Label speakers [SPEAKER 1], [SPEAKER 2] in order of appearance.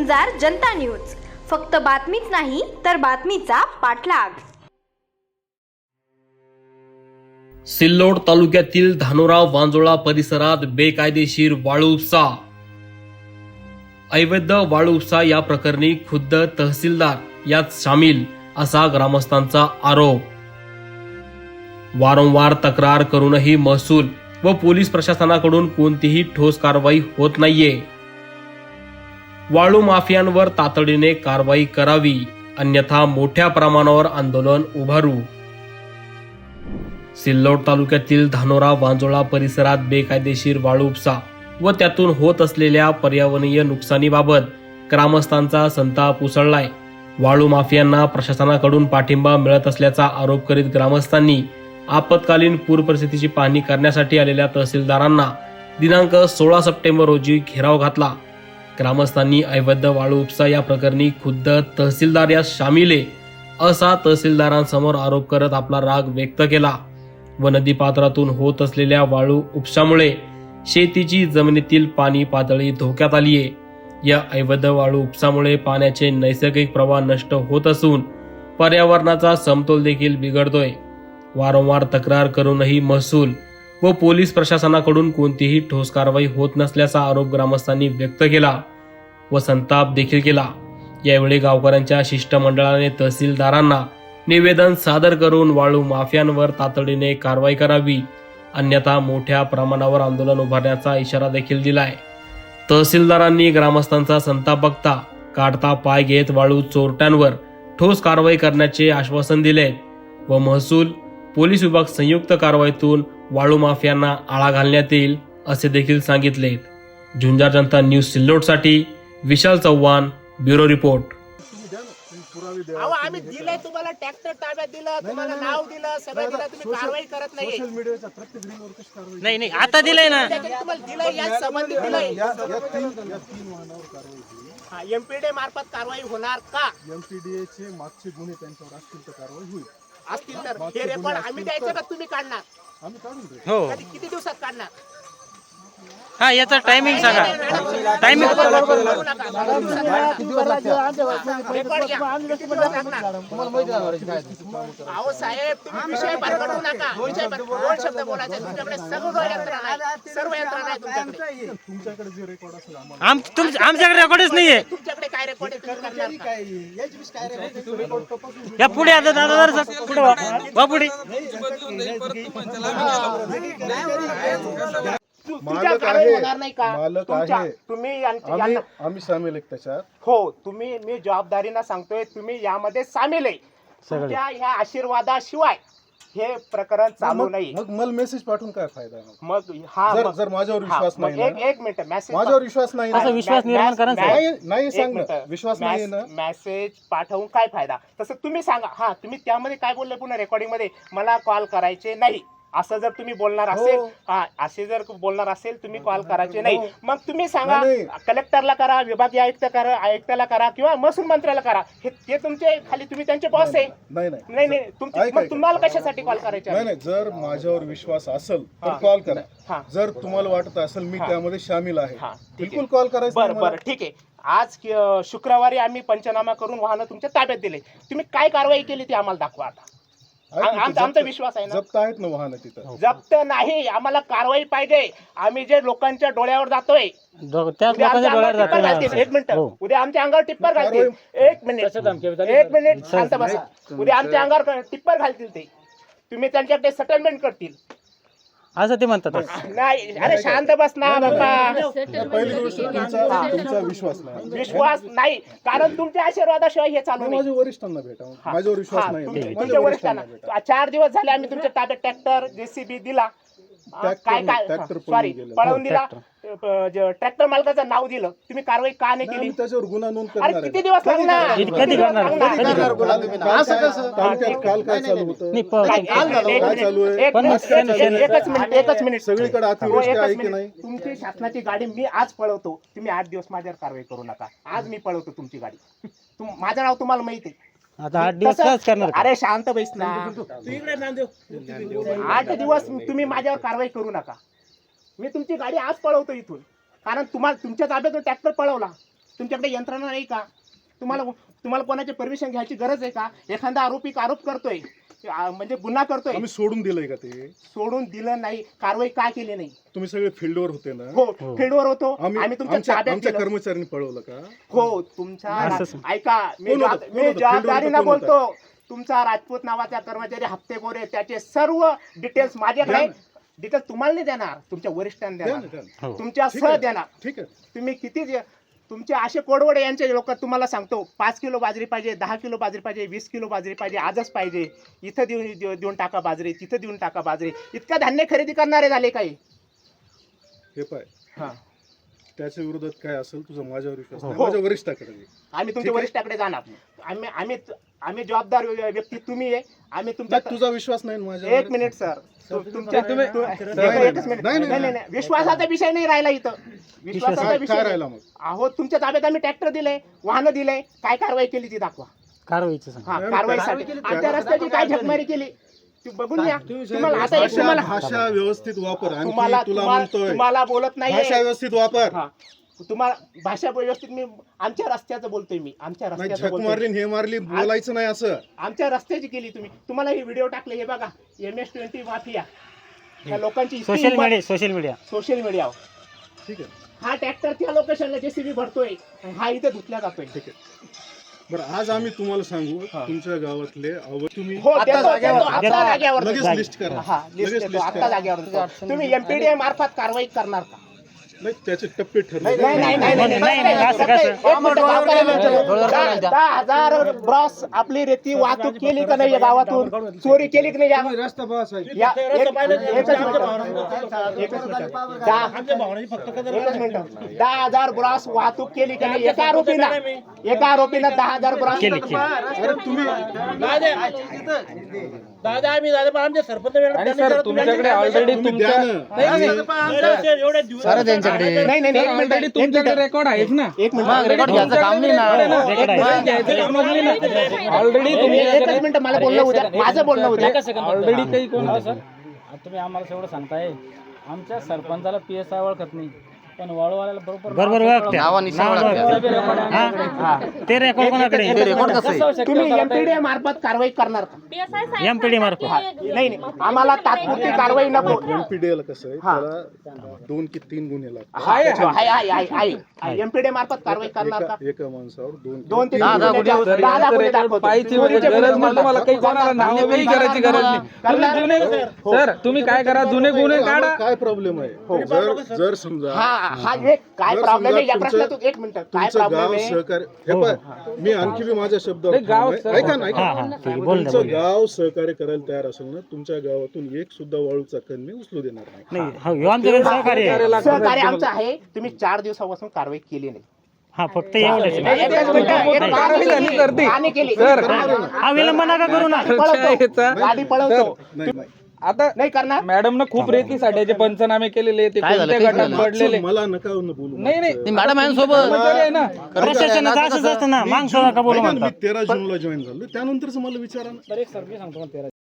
[SPEAKER 1] गुंजार जनता news, फक्त बातमीच नाही तर बातमीचा पाठलाग।
[SPEAKER 2] सिल्लोड तालुक्यातील धानोरा वांजोळा परिसरात बेकायदेशीर वाळू उपसा। अवैध वाळू उपसा या प्रकरणी खुद्द तहसीलदार यात सामील असा ग्रामस्थांचा आरोप। वारंवार तक्रार करूनही महसूल व पोलीस प्रशासनाकडून कोणतीही ठोस कारवाई होत नाहीये। वाळू माफियांवर तातडीने कारवाई करावी, अन्यथा मोठ्या प्रमाणावर आंदोलन उभारू। सिल्लोड तालुक्यातील धानोरा वांजोळा परिसरात बेकायदेशीर वाळू उपसा व त्यातून होत असलेल्या पर्यावरणीय नुकसानीबाबत ग्रामस्थांचा संताप उसळलाय। वाळू माफियांना प्रशासनाकडून पाठिंबा मिळत असल्याचा आरोप करीत ग्रामस्थांनी आपत्कालीन पूर परिस्थितीची पाहणी करण्यासाठी आलेल्या तहसीलदारांना दिनांक 16 सप्टेंबर रोजी घेराव घातला। ग्रामस्थांनी अवैध वाळू उपसा या प्रकरणी खुद्द तहसीलदार यात शामिल आहे असा तहसीलदारांसमोर आरोप करत आपला राग व्यक्त केला व नदीपात्रातून होत असलेल्या वाळू उपशामुळे शेतीची जमिनीतील पाणी पातळी धोक्यात आली आहे। या अवैध वाळू उपसामुळे पाण्याचे नैसर्गिक प्रवाह नष्ट होत असून पर्यावरणाचा समतोल देखील बिघडतोय। वारंवार तक्रार करूनही महसूल व पोलीस प्रशासनाकडून कोणतीही ठोस कारवाई होत नसल्याचा आरोप ग्रामस्थांनी व्यक्त केला व संताप देखील केला। यावेळी गावकऱ्यांच्या शिष्टमंडळाने तहसीलदारांना निवेदन सादर करून वाळू माफियांवर तातडीने कारवाई करावी, अन्यथा मोठ्या प्रमाणावर आंदोलन उभारण्याचा इशारा देखील दिलाय। तहसीलदारांनी ग्रामस्थांचा संताप बघता काढता पाय घेत वाळू चोरट्यांवर ठोस कारवाई करण्याचे आश्वासन दिले व महसूल पोलीस विभाग संयुक्त कारवाईतून वाळू माफियांना आळा घालण्यात येईल असे देखील सांगितले। झुंजार जनता न्यूज सिल्लोडसाठी विशाल चव्हाण, ब्युरो रिपोर्ट।
[SPEAKER 3] आम्ही दिलंय तुम्हाला, ट्रॅक्टर ताब्यात दिलं, तुम्हाला नाव दिलं, सगळं दिलं, तुम्ही कारवाई करत नाही।
[SPEAKER 4] सोशल मीडियाचा प्रत्येक रीलवर कशी कारवाई?
[SPEAKER 5] नाही आता दिलंय ना,
[SPEAKER 3] तुम्हाला दिलंय, या संबंधित दिलंय।
[SPEAKER 4] या तीन वाहनावर कारवाई होईल।
[SPEAKER 3] एमपीडीए मार्फत कारवाई होणार का?
[SPEAKER 4] एमपीडीए चे मागचे गुन्हे त्यांच्यावर असतील तर कारवाई होईल।
[SPEAKER 3] असतील तर हे रेकॉर्ड आम्ही द्यायचं का तुम्ही काढणार?
[SPEAKER 4] आम्ही काढून देऊ।
[SPEAKER 5] हो
[SPEAKER 3] किती दिवसात काढणार?
[SPEAKER 5] हा, याचा टायमिंग सांगा, टायमिंग
[SPEAKER 3] अहो साहेब, तुम्ही विषय पकडू नका, विषय दोन शब्द बोलायचे। तुमच्याकडे सर्व यंत्रणा आहे, सर्व यंत्रणा आहे तुमच्याकडे।
[SPEAKER 4] तुमच्याकडे जे रेकॉर्ड असेल आम्हाला
[SPEAKER 5] आमच्याकडे रेकॉर्डच नाहीये।
[SPEAKER 3] तुमच्याकडे काय रेकॉर्ड आहे, तुम्ही करणार का?
[SPEAKER 5] या पुढे आता दादा जरा पुढे वा पुढे।
[SPEAKER 4] मालक आहे,
[SPEAKER 3] होणार नाही का?
[SPEAKER 4] मालक आहे,
[SPEAKER 3] तुम्ही
[SPEAKER 4] आम्ही सामील आहे त्याच्यात।
[SPEAKER 3] हो, तुम्ही, मी जबाबदारीने सांगतोय, तुम्ही यामध्ये सामील आहे। तुमच्या ह्या आशीर्वादाशिवाय हे प्रकरण चालू नाही।
[SPEAKER 4] मग मला मेसेज पाठवून काय फायदा?
[SPEAKER 3] मग हा,
[SPEAKER 4] जर माझ्यावर विश्वास नाही,
[SPEAKER 3] एक मिनिट, मेसेज
[SPEAKER 4] माझ्यावर विश्वास नाही ना,
[SPEAKER 5] विश्वास निर्माण करा।
[SPEAKER 4] नाही सांग ना, विश्वास नाही ना,
[SPEAKER 3] मेसेज पाठवून काय फायदा? तसं तुम्ही सांगा। हा, तुम्ही त्यामध्ये काय बोलले पुन्हा रेकॉर्डिंग मध्ये, मला कॉल करायचे नाही असं जर तुम्ही बोलणार असेल, हा असे जर बोलणार असेल, तुम्ही कॉल करायचे नाही, मग तुम्ही सांगा कलेक्टरला करा, विभागीय आयुक्ताला करा किंवा महसूल मंत्र्याला करा। हे तुमचे खाली, तुम्ही त्यांचे बॉस आहे। नाही मग तुम्हाला कशासाठी कॉल करायचे?
[SPEAKER 4] नाही, जर माझ्यावर विश्वास असेल तर कॉल करा। जर तुम्हाला वाटत असेल मी त्यामध्ये सामील आहे, बिलकुल कॉल करायचं।
[SPEAKER 3] बरं, ठीक आहे। आज शुक्रवारी आम्ही पंचनामा करून वाहनं तुमच्या ताब्यात दिले, तुम्ही काय कारवाई केली ती आम्हाला दाखवा आता। आमचा विश्वास आहे ना,
[SPEAKER 4] जप्त आहेत ना वाहन तिथं?
[SPEAKER 3] जप्त नाही, आम्हाला कारवाई पाहिजे। आम्ही जे लोकांच्या डोळ्यावर जातोय, एक मिनिट, उद्या आमच्या अंगावर टिप्पर घालतील। एक मिनिट शांत बसा। उद्या आमच्या अंगावर टिप्पर घालतील ते, तुम्ही त्यांच्याकडे सेटलमेंट करतील
[SPEAKER 5] असं ते म्हणतात।
[SPEAKER 3] नाही, अरे शांत बस ना बाबा।
[SPEAKER 4] पहिली गोष्ट तुमचा
[SPEAKER 3] विश्वास नाही, कारण तुमच्या आशीर्वादाशिवाय हे चालू नाही।
[SPEAKER 4] माझ्या वरिष्ठांना भेटा, माझ्यावर विश्वास नाही।
[SPEAKER 3] तुमच्या वरिष्ठांना 4 दिवस झाले आम्ही तुमच्या ताब्यात ट्रॅक्टर, जेसीबी दिला, सॉरी पळवून दिला, ट्रॅक्टर मालकाचं नाव दिलं, तुम्ही कारवाई का नाही केली?
[SPEAKER 4] त्याच्यावर गुन्हा नोंद
[SPEAKER 3] अरे
[SPEAKER 4] करणार
[SPEAKER 3] किती दिवस लागणार?
[SPEAKER 4] काल काय चालू होतं?
[SPEAKER 3] एकच मिनिट,
[SPEAKER 4] सगळीकडे अतिवृष्टी आहे की नाही?
[SPEAKER 3] तुमची शासनाची गाडी मी आज पळवतो, तुम्ही 8 दिवस माझ्यावर कारवाई करू नका। आज मी पळवतो तुमची गाडी, माझं नाव तुम्हाला माहिती आहे।
[SPEAKER 5] आता 8 दिवस काय करणार?
[SPEAKER 3] अरे शांत बैस ना, 8 दिवस तुम्ही माझ्यावर कारवाई करू नका। मी तुमची गाडी आज पळवतो इथून, कारण तुम्हाला तुमच्या ताब्यातून ट्रॅक्टर पळवला, तुमच्याकडे यंत्रणा नाही का? तुम्हाला कोणाची परमिशन घ्यायची गरज आहे का? एखादा आरोपी आरोप करतोय, म्हणजे गुन्हा करतोय,
[SPEAKER 4] आम्ही सोडून दिलंय का ते?
[SPEAKER 3] सोडून दिलं नाही, कारवाई का केली नाही?
[SPEAKER 4] तुम्ही सगळे फील्डवर होते ना?
[SPEAKER 3] हो, फील्डवर होतो. आम्ही तुमच्या
[SPEAKER 4] आमच्या
[SPEAKER 3] ताब्यात दिलं.
[SPEAKER 4] कर्मचाऱ्यांनी पळवलं का?
[SPEAKER 3] हो, तुमच्या ऐका, मी
[SPEAKER 4] कोण होतं?
[SPEAKER 3] जबाबदारीनं
[SPEAKER 4] कोण होतं?
[SPEAKER 3] बोलतो. तुमचा राजपूत नावाचा कर्मचारी हप्तेखोर आहे, त्याचे सर्व डिटेल्स माझ्याकडे. डिटेल्स तुम्हाला नाही देणार, तुमच्या वरिष्ठांना
[SPEAKER 4] द्या
[SPEAKER 3] देणार,
[SPEAKER 4] ना.
[SPEAKER 3] तुमच्या
[SPEAKER 4] ठीक
[SPEAKER 3] सह
[SPEAKER 4] आहे.
[SPEAKER 3] देणार.
[SPEAKER 4] ठीक आहे.
[SPEAKER 3] तुम्ही किती तुमचे असे कोडवडे यांचे लोक, तुम्हाला सांगतो 5 किलो बाजरी पाहिजे, 10 किलो बाजरी पाहिजे, 20 किलो बाजरी पाहिजे, आजच पाहिजे, इथं देऊन टाका बाजरी, तिथं देऊन टाका बाजरी. इतका धान्य खरेदी करणारे झाले काही.
[SPEAKER 4] हे पाय,
[SPEAKER 3] हा,
[SPEAKER 4] त्याच्या विरोधात काय असेल तुझा माझ्यावर विश्वास नाही.
[SPEAKER 3] हो.
[SPEAKER 4] माझ्या वरिष्ठाकडे ये.
[SPEAKER 3] आम्ही तुमच्या वरिष्ठाकडे जाणार. आम्ही जबाबदार व्यक्ती तुम्ही आहे. आम्ही तुमच्या
[SPEAKER 4] नाही, तुझा विश्वास नाही ना माझ्यावर.
[SPEAKER 3] 1 मिनिट सर, तुमच्या
[SPEAKER 4] नाही,
[SPEAKER 3] एकच मिनिट.
[SPEAKER 4] नाही,
[SPEAKER 3] नाही, नाही, विश्वासाचा विषय नाही राहिला इथं. विश्वासाचा
[SPEAKER 4] काय
[SPEAKER 3] विषय
[SPEAKER 4] काय
[SPEAKER 3] नाही.
[SPEAKER 4] राहिला मग?
[SPEAKER 3] अहो, तुमच्या ताब्यात आम्ही ट्रॅक्टर दिले, वाहनं दिले, काय कारवाई केली ती दाखवा.
[SPEAKER 5] कारवाईचं सांग.
[SPEAKER 3] हा, कारवाईसाठी आमच्या रस्त्याची काय झकमारी केली ती बघून घ्या. तुम्हाला आता एक तुम्हाला
[SPEAKER 4] भाषा व्यवस्थित वापर. आणखी
[SPEAKER 3] तुम्हाला
[SPEAKER 4] तुला म्हणतोय
[SPEAKER 3] तुम्हाला बोलत नाही.
[SPEAKER 4] भाषा व्यवस्थित वापर.
[SPEAKER 3] हा, तुम्हाला भाषा व्यवस्थित, मी आमच्या रस्त्याचं बोलतोय, मी आमच्या
[SPEAKER 4] नाही,
[SPEAKER 3] रस्त्याचं
[SPEAKER 4] झक
[SPEAKER 3] बोलतोय.
[SPEAKER 4] मारली हे मारली बोलायचं नाही असं.
[SPEAKER 3] आमच्या रस्त्याची केली तुम्ही. तुम्हाला हे व्हिडिओ टाकले, हे बघा, MS-20 माफिया, त्या लोकांची इतकी
[SPEAKER 5] सोशल
[SPEAKER 3] हिंमत-
[SPEAKER 5] मीडिया
[SPEAKER 3] सोशल मीडियावर
[SPEAKER 4] ठीक आहे.
[SPEAKER 3] हा ट्रॅक्टर त्या लोकेशनला JCB भरतोय, हा इथे धुतल्या जातोय.
[SPEAKER 4] ठीक आहे. बरं, आज आम्ही तुम्हाला सांगू तुमच्या गावातले तुम्ही
[SPEAKER 3] हो, देतो, आता जाग्यावर
[SPEAKER 4] लगेच
[SPEAKER 3] देतो.
[SPEAKER 4] लिस्ट करा.
[SPEAKER 3] हा, लिस्ट
[SPEAKER 4] लगेच
[SPEAKER 3] देतो,
[SPEAKER 4] लिस्ट
[SPEAKER 3] आता
[SPEAKER 4] करा.
[SPEAKER 3] जाग्यावर देतो. तुम्ही MPDA मार्फत कारवाई करणार का?
[SPEAKER 4] नाही, त्याचे टप्पे ठरले.
[SPEAKER 3] नाही, नाही, नाही,
[SPEAKER 5] नाही,
[SPEAKER 3] नाही,
[SPEAKER 5] नाही, नाही, असं
[SPEAKER 3] एक
[SPEAKER 5] कसं?
[SPEAKER 3] मिनिटं, गावकऱ्याला विचारू. 10,000 ब्रॉस आपली रेती वाहतूक केली का नाही या गावातून? चोरी केली की नाही या? एकच मिनिटं. एकच मिनिटं. 10,000 ब्रॉस वाहतूक केली का नाही? एका आरोपीनं 10,000 ब्रॉस
[SPEAKER 5] केली.
[SPEAKER 4] अरे तुम्ही
[SPEAKER 6] आणि सर तुमच्याकडे ऑलरेडी तुमच्या
[SPEAKER 3] सर त्यांच्याकडे नाही नाही नाही, एक मिनिट, एक
[SPEAKER 6] तुमच्याकडे
[SPEAKER 3] मिनिट.
[SPEAKER 6] रेकॉर्ड आहेच ना.
[SPEAKER 3] एक मिनिट.
[SPEAKER 6] रेकॉर्ड घ्यायचं काम नाही ना. ऑलरेडी
[SPEAKER 3] एकच मिनिट, मला बोलणं उद्या, माझं बोलणं उद्या.
[SPEAKER 6] ऑलरेडी काही कोण
[SPEAKER 7] तुम्ही आम्हाला एवढं सांगताय, आमच्या सरपंचाला PSI ओळखत नाही, पण वाळूवाल्याला
[SPEAKER 5] बरोबर ओळखते. नाव ओळखते. हा, ते रेकॉर्ड कोणाकडे?
[SPEAKER 3] तुम्ही MPDA मार्फत कारवाई करणार का?
[SPEAKER 5] MPD मार्फत.
[SPEAKER 3] नाही नाही, आम्हाला तात्पुरती कारवाई नको.
[SPEAKER 4] MPDA कसं आहे, त्याला 2 की 3 गुन्हे लागतात.
[SPEAKER 3] आहे MPDA मार्फत कारवाई करणार का?
[SPEAKER 4] एका माणसावर
[SPEAKER 3] 2 ते 3
[SPEAKER 6] 10 गुन्हे दाखवतो. पाहिजे वगैरे गरज नाही तुम्हाला, काही कोणाला नाव काही करायची गरज नाही. तुम्ही जुने सर तुम्ही काय करा, जुने गुन्हे काढा.
[SPEAKER 4] काय प्रॉब्लेम आहे? जर समजा
[SPEAKER 3] हा एक काय
[SPEAKER 4] जर
[SPEAKER 3] प्रॉब्लेम आहे
[SPEAKER 4] समजा
[SPEAKER 3] या प्रश्नातून? एक मिनिट, काय
[SPEAKER 4] तुमचं
[SPEAKER 3] प्रॉब्लेम
[SPEAKER 4] गाव
[SPEAKER 3] आहे?
[SPEAKER 4] सहकार्य हे पाय, मी आणखी बी माझ्या शब्दावर
[SPEAKER 6] गाव
[SPEAKER 4] ठाम आहे. ऐका ना, ऐका
[SPEAKER 5] हा,
[SPEAKER 4] ना.
[SPEAKER 5] हा, ठीक आहे. बोल ना,
[SPEAKER 4] तुमचं
[SPEAKER 5] बोल.
[SPEAKER 4] गाव सहकार्य करायला तयार असेल ना, तुमच्या गावातून एक सुद्धा वाळूचा कण मी उचलू देणार नाही.
[SPEAKER 5] नाही, हो, ह्यो आमच्याकडे सहकार्य आहे.
[SPEAKER 3] सहकार्य आमचं आहे. तुम्ही 4 दिवसापासून कारवाई केली नाही.
[SPEAKER 5] हा, फक्त एवढंच.
[SPEAKER 3] एकच मिनिट, एक
[SPEAKER 6] कारवाई झाली करते.
[SPEAKER 3] आणि केली.
[SPEAKER 5] हा, विलंब नका करू ना.
[SPEAKER 3] पळवतो, गाडी पळवतो.
[SPEAKER 4] नाही, नाही.
[SPEAKER 6] आता
[SPEAKER 3] नाही करणार.
[SPEAKER 6] मॅडम न खूप रेतीसाठ्याचे पंचनामे केलेले, ते कोणत्या गटात पडलेले.
[SPEAKER 4] मला नका बोलू.
[SPEAKER 6] नाही नाही
[SPEAKER 5] मॅडम
[SPEAKER 6] कर्मचारी आहे ना.
[SPEAKER 5] प्रशासनाचं असंच असतं ना, मागचं नका बोलू
[SPEAKER 4] ऐका ना,
[SPEAKER 5] म्हणतात.
[SPEAKER 4] मी 13 जूनला जॉईन झालो, त्यानंतरच मला विचारा ना.
[SPEAKER 7] तर एक सर्वे सांगतो